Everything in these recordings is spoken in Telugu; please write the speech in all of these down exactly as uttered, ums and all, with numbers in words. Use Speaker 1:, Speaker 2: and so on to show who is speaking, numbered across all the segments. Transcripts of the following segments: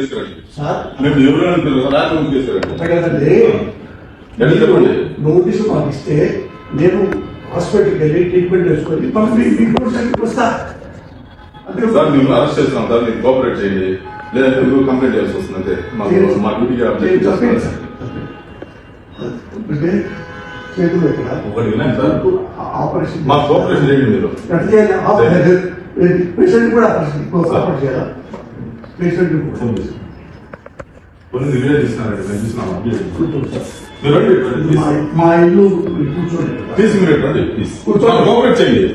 Speaker 1: తీసుకురండి మేము ఎవరు తీసుకురండి
Speaker 2: నోటీసు మాకు ఇస్తే నేను హాస్పిటల్కి వెళ్ళి ట్రీట్మెంట్ చేసుకొని మీకు వస్తా అంటే
Speaker 1: సార్ మేము అరెస్ట్ చేస్తున్నాం సార్ మీరు కోఆపరేట్ చేయండి లేదంటే మీరు కంప్లైంట్ చేయాల్సి వస్తుంది అంతే మాకు మా డ్యూటీకి అప్డేట్
Speaker 2: చేతులు ఇక్కడ
Speaker 1: ఒకటి వినండి సార్
Speaker 2: ఆపరేషన్
Speaker 1: మా కోఆపరేషన్ చేయండి మీరు
Speaker 2: పేషెంట్ కూడా ఆపరేషన్ చేయాలా పేషెంట్
Speaker 1: కొన్ని వీడియో తీస్తున్నారండి మేము చూసినాం మీరు రండి
Speaker 2: మా ఇల్లు కూర్చోండి
Speaker 1: తీసి మీరు రండి ప్లీజ్ కోఆపరేట్ చేయండి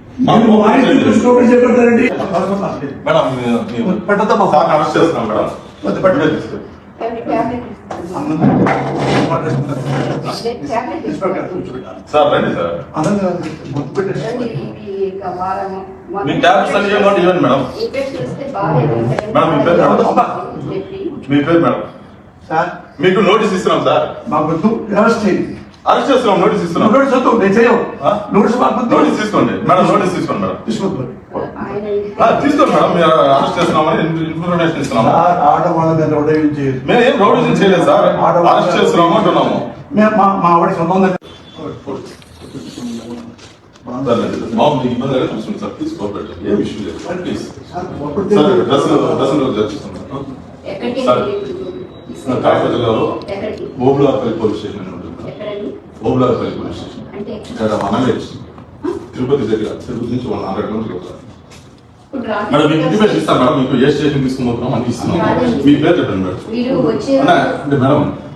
Speaker 2: చెప్పండి
Speaker 1: మేడం పెట్టద్దామా సార్ అరెస్ట్ చేస్తున్నాం మేడం పెట్టలేదు తీసుకోండి సార్ రండి సార్ మీ ట్యాబ్లెట్స్ అన్ని ఇవ్వండి ఇవ్వండి మేడం మేడం మీ పేరు మీ పేరు మేడం మీకు నోటీస్ ఇస్తున్నాం సార్
Speaker 2: మాకు అరెస్ట్ చేయండి
Speaker 1: అరెస్ట్ చేస్తున్నాం నోటీస్ ఇస్తున్నాం
Speaker 2: నోటీస్ వద్దు నేను చేయవు నోటీస్
Speaker 1: నోటీస్ తీసుకోండి మేడం నోటీస్ తీసుకోండి మేడం
Speaker 2: తీసుకోండి
Speaker 1: తీసుకోండి మేడం మీరు అరెస్ట్ చేస్తున్నామని ఇన్ఫర్మేషన్ ఇస్తున్నాము
Speaker 2: ఆడవాళ్ళ మీద ఉదయం చేయదు
Speaker 1: మేము ఏం రౌడీజం చేయలేదు సార్ అరెస్ట్ చేస్తున్నాము అంటున్నాము
Speaker 2: మేము మా మా ఆవిడ సొంతం
Speaker 1: బాబు మీకు ఇబ్బంది అయితే చూసుకోండి సార్ ప్లీజ్ కోఆపరేట్ ఏ విషయం లేదు సార్ ప్లీజ్ సార్ దర్శన దర్శనంలో చర్చిస్తున్నాను సార్ కాకినాడ జిల్లాలో ఓబులార్పల్లి పోలీస్ స్టేషన్ అని ఉంటుంది ఓబులార్పల్లి పోలీస్ స్టేషన్ ఇక్కడ మనవేజ్ తిరుపతి దగ్గర తిరుపతి నుంచి వన్ హండ్రెడ్ కిలోమీటర్లు మేడం మీకు ఇంటిమేషన్ ఇస్తాను మేడం మీకు ఏ స్టేషన్ తీసుకుని పోతున్నాం అని ఇస్తున్నాం మీ పేరు చెప్పండి మేడం అంటే మేడం